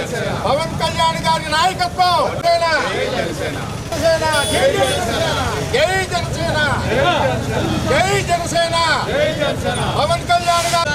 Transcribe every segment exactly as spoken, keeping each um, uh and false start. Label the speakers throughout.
Speaker 1: పవన్ కళ్యాణ్ గారి నాయకత్వం. జై జనసేన, జై జనసేన. పవన్ కళ్యాణ్ గారు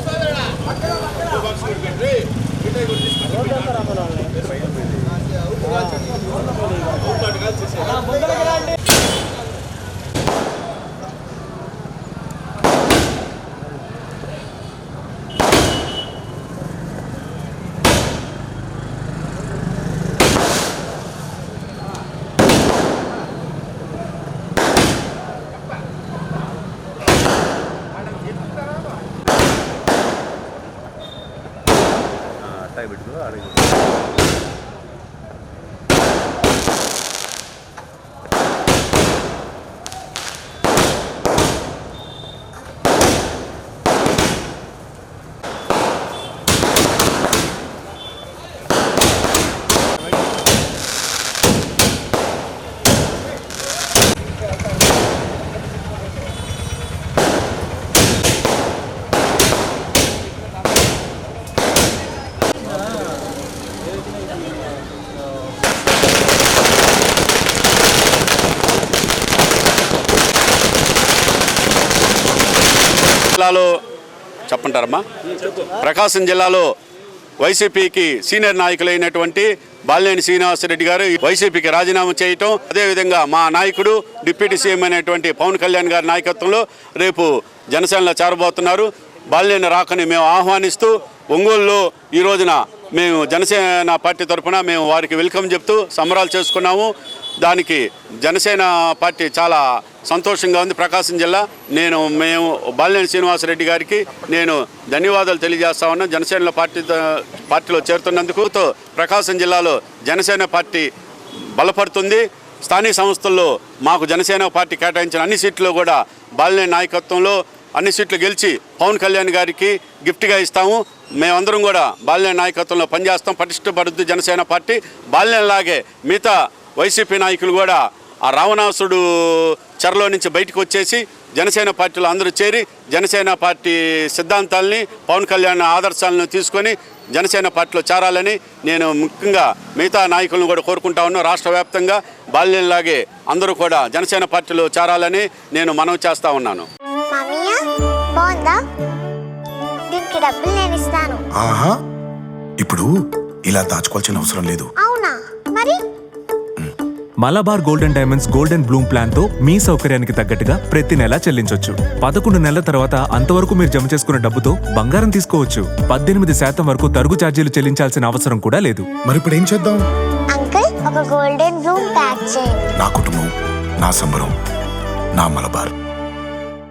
Speaker 2: జిల్లాలో చెప్పంటారమ్మా ప్రకాశం జిల్లాలో వైసీపీకి సీనియర్ నాయకులైనటువంటి బాలినేని శ్రీనివాసరెడ్డి గారు వైసీపీకి రాజీనామా చేయటం, అదేవిధంగా మా నాయకుడు డిప్యూటీ సీఎం అయినటువంటి పవన్ కళ్యాణ్ గారి నాయకత్వంలో రేపు జనసేనలో చేరబోతున్నారు. బాలినేని రాకని మేము ఆహ్వానిస్తూ ఒంగోలులో ఈ రోజున మేము జనసేన పార్టీ తరఫున మేము వారికి వెల్కమ్ చెప్తూ సంబరాలు చేసుకున్నాము. దానికి జనసేన పార్టీ చాలా సంతోషంగా ఉంది. ప్రకాశం జిల్లా నేను మేము బాలినేని శ్రీనివాసరెడ్డి గారికి నేను ధన్యవాదాలు తెలియజేస్తా ఉన్నాను. జనసేన పార్టీ పార్టీలో చేరుతున్నందుకు ప్రకాశం జిల్లాలో జనసేన పార్టీ బలపడుతుంది. స్థానిక సంస్థల్లో మాకు జనసేన పార్టీ కేటాయించిన అన్ని సీట్లు కూడా బాలినేని నాయకత్వంలో అన్ని సీట్లు గెలిచి పవన్ కళ్యాణ్ గారికి గిఫ్ట్గా ఇస్తాము. మేమందరం కూడా బాలినేని నాయకత్వంలో పనిచేస్తాం. పటిష్టపడుద్ది జనసేన పార్టీ. బాలినేనిలాగే మిగతా వైసీపీ నాయకులు కూడా ఆ రావణాసుడు చెరలో నుంచి బయటకు వచ్చేసి జనసేన పార్టీలో అందరూ చేరి జనసేన పార్టీ సిద్ధాంతాలని పవన్ కళ్యాణ్ ఆదర్శాలను తీసుకొని జనసేన పార్టీలో చేరాలని నేను ముఖ్యంగా మిగతా నాయకులను కూడా కోరుకుంటా ఉన్నాను. రాష్ట్ర వ్యాప్తంగా బాలినేనిలాగే అందరూ కూడా జనసేన పార్టీలో చేరాలని నేను మనవి చేస్తూ ఉన్నాను.
Speaker 3: ఆహా, ఇప్పుడు ఇలా దాచుకోవాల్సిన అవసరం లేదు.
Speaker 4: అవునా? మరి
Speaker 5: Malabar golden diamonds golden bloom plan తో మీ సౌకర్యానికి తగ్గట్టుగా ప్రతి నెల చెల్లించొచ్చు. పదకొండు నెలల తర్వాత అంతవరకు మీరు జమ చేసుకున్న డబ్బుతో బంగారం తీసుకోవచ్చు. పద్దెనిమిది శాతం వరకు తరుగు ఛార్జీలు చెల్లించాల్సిన అవసరం కూడా లేదు.
Speaker 3: మరి ఇప్పుడు ఏం చేద్దాం?
Speaker 4: అంకుల్, ఒక గోల్డెన్ బ్లూమ్ ప్యాక్ చేయండి.
Speaker 3: నా కుటుంబం, నా సంబరం, నా మలబార్.